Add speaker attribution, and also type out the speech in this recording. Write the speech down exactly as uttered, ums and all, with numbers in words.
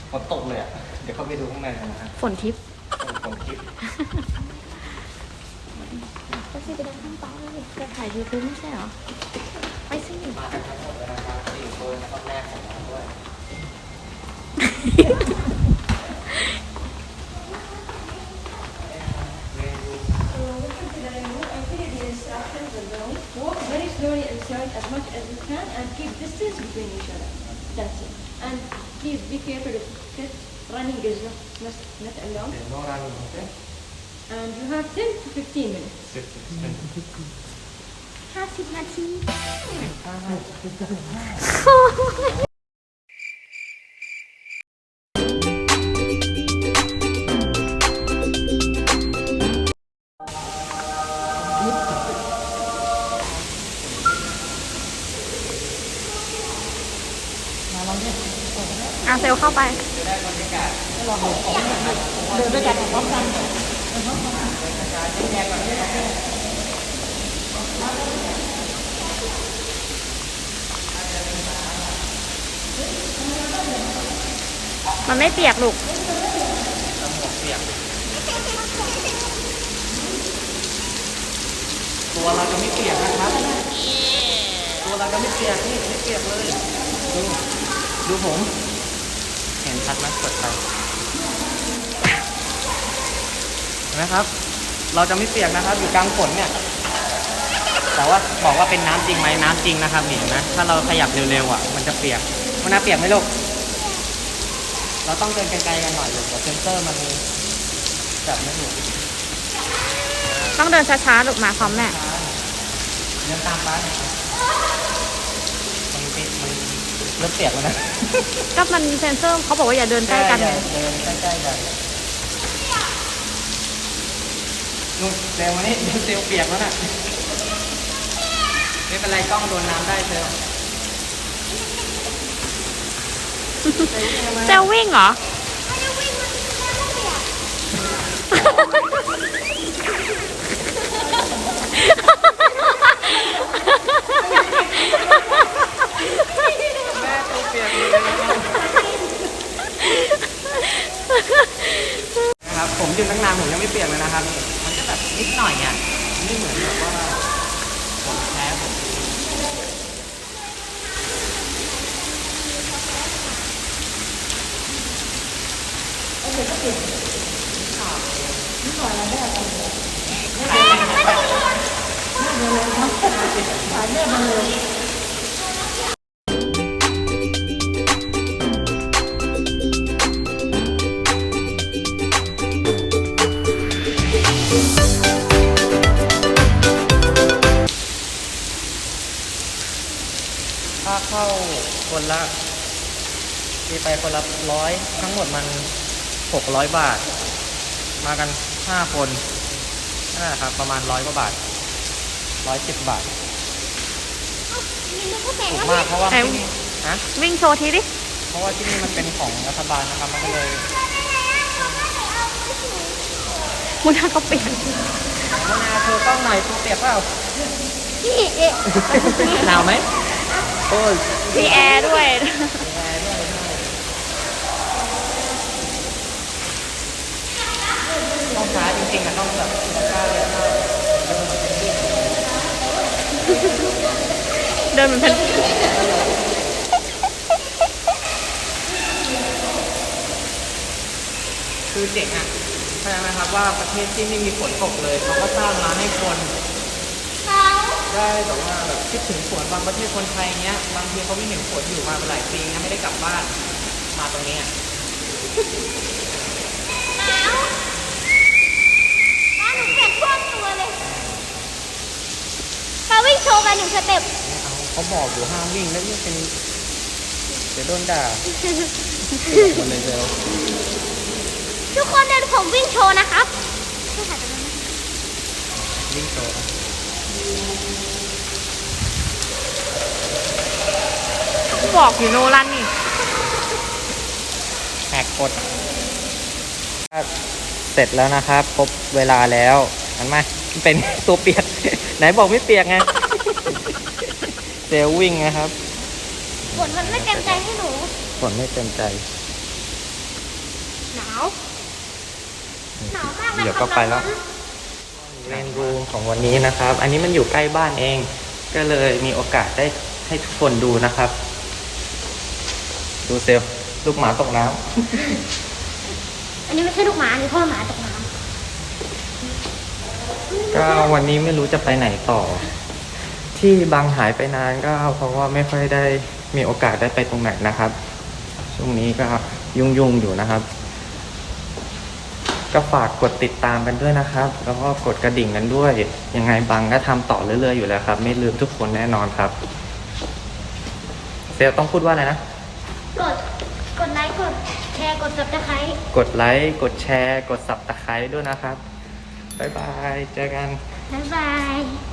Speaker 1: ฝนตกเลยอ่ะเดี๋ยวเข้าไปดูข้างในกันนะฮะ
Speaker 2: ฝนทิพย์
Speaker 1: ฝนทิพย์
Speaker 2: ก็สิไปเดินข้างป้าเลยจะถ่ายยูทูบไม่ใช่เหรอไปสิ
Speaker 1: มากันทั้งหมดเลยนะครับสี่คนรอบแรกของเราด้วย
Speaker 3: Walk very slowly inside as much as you can and keep distance between each other. That's it. And please be careful of kids. Running is not, not, not allowed.
Speaker 1: Okay, no running, okay?
Speaker 3: And you have ten to fifteen minutes.
Speaker 1: fifteen.
Speaker 2: ห้าสิบนาทีอาเซลเข้าไปเดินด้วยกันพร้อมกันมันไม่เปียกลูก
Speaker 1: ตัวเราจะไม่เปียกนะครับตัวเราจะไม่เปียกนี่ไม่เปียกเลยดูดูผมเห็นชัดไหมเปิดไฟเห็นไหมครับเราจะไม่เปียกนะครับอยู่กลางฝนเนี่ยแต่ว่าบอกว่าเป็นน้ำจริงไหมน้ำจริงนะครับเห็นไหมถ้าเราขยับเร็วๆอ่ะมันจะเปียกมันน่าเปียกไหมลูกเราต้องเดินไกลๆกันหน่อยลูกเดี๋ยวเซนเซอร์มันจับไม่ถูก
Speaker 2: ต้องเดินช้าๆลูกมาพร้อมแม่
Speaker 1: เดินตามป้าหน่อยมันมันเริ่มเปียกแล้วนะ
Speaker 2: ก็มันเซนเซอร์เขาบอกว่าอย่าเดินใกล้กัน
Speaker 1: เดินใกล้ๆกันนู่นเซลวันนี้เซลเปียกแล้วน่ะไม่เป็นไรกล้องโดนน้ำได้เซล
Speaker 2: เซลวิ่งเหรอ
Speaker 1: แม่ตัวเปียกเลยนะครับผมยืนตั้งนานผมยังไม่เปียกเลยนะครับมันจะแบบนิดหน่อยอ่ะไม่เหมือนแบบว่าผมแพ้ผมค่าเข้าคนละมีไปคนละร้อยทั้งหมดมันหกร้อยบาทมากันห้าคนนั่นแหละครับประมาณร้อยกว่าบาทร้อยสิบบาทถูกมากเพราะว่าที่นี่ฮะ
Speaker 2: วิ่งโชว์ทีดิ
Speaker 1: เพราะว่าที่นี่มันเป็นของรัฐบาลนะครับมันก็เลย
Speaker 2: มุนาก็เปียก
Speaker 1: มุนาเธอต้องหน่อยตัวเปียกเปล่า
Speaker 2: พี่เอ๊ะ
Speaker 1: หนาวไหมโอ้ย
Speaker 2: มีแอร์ด้วย
Speaker 1: ต้องช้าจริงๆอะต้องแบบกล้าเลย
Speaker 2: เดินเหมือนเพน
Speaker 1: คือเจ๋งอ่ะเข้าใจไหมครับว่าประเทศที่ไม่มีฝนตกเลยเขาก็สร้างมาให้คนได้แบบว่าแบบคิดถึงฝนบางประเทศคนไทยเนี้ยบางทีเขาไม่เห็นฝนอยู่มาหลายปีนะไม่ได้กลับบ้านมาตรงนี้
Speaker 4: ป้าหนูเปลี่ยนท่วมตัวเลยป้าวิ่งโชว์ไปหนึ่งสเต็ป
Speaker 1: เอาเขาบอกอยู่ห้ามวิ่งแล้วนี่เป็นเดี๋ยวโดนด่าคนเลยเซล
Speaker 4: ทุกคนเดินผมวิ่งโชว์นะครับ
Speaker 1: วิ่งโชว์
Speaker 2: บอกอยู่โนรันนี่
Speaker 1: แหกกฎเสร็จแล้วนะครับครบเวลาแล้วเห็นไหมเป็นตัวเปียกไหนบอกไม่เปียกไงเซลวิ่งนะครับ
Speaker 4: ฝนมันไม่เต็มใจให้หนู
Speaker 1: ฝนไม่เต็มใจ
Speaker 4: หนาว หนาวมากเลย
Speaker 1: เดี๋ยวก็ไปแล้วเมนรูมของวันนี้นะครับ อันนี้มันอยู่ใกล้บ้านเอง ก็เลยมีโอกาสได้ให้ทุกคนดูนะครับ ดูเซลลูกหมาตกน้ำ
Speaker 4: อันนี้ไม่ใช่ลูกหมาอันนี้พ่อหมาตกน้
Speaker 1: ก็วันนี้ไม่รู้จะไปไหนต่อ ที่บางหายไปนานก็เพราะว่าไม่ค่อยได้มีโอกาสได้ไปตรงไหนนะครับ ช่วงนี้ก็ยุ่งๆอยู่นะครับ ก็ฝากกดติดตามกันด้วยนะครับ แล้วก็กดกระดิ่งกันด้วย ยังไงบางก็ทำต่อเรื่อยๆอยู่แล้วครับ ไม่ลืมทุกคนแน่นอนครับเซลต้องพูดว่าอะไรนะ
Speaker 4: ำกด กดไลค์ กดแชร์ กดซับสไครต์
Speaker 1: กดไลค์ กดแชร์ กดสับตะไคร้ด้วยนะครับ บ๊ายบาย เจอกัน
Speaker 4: บ๊ายบาย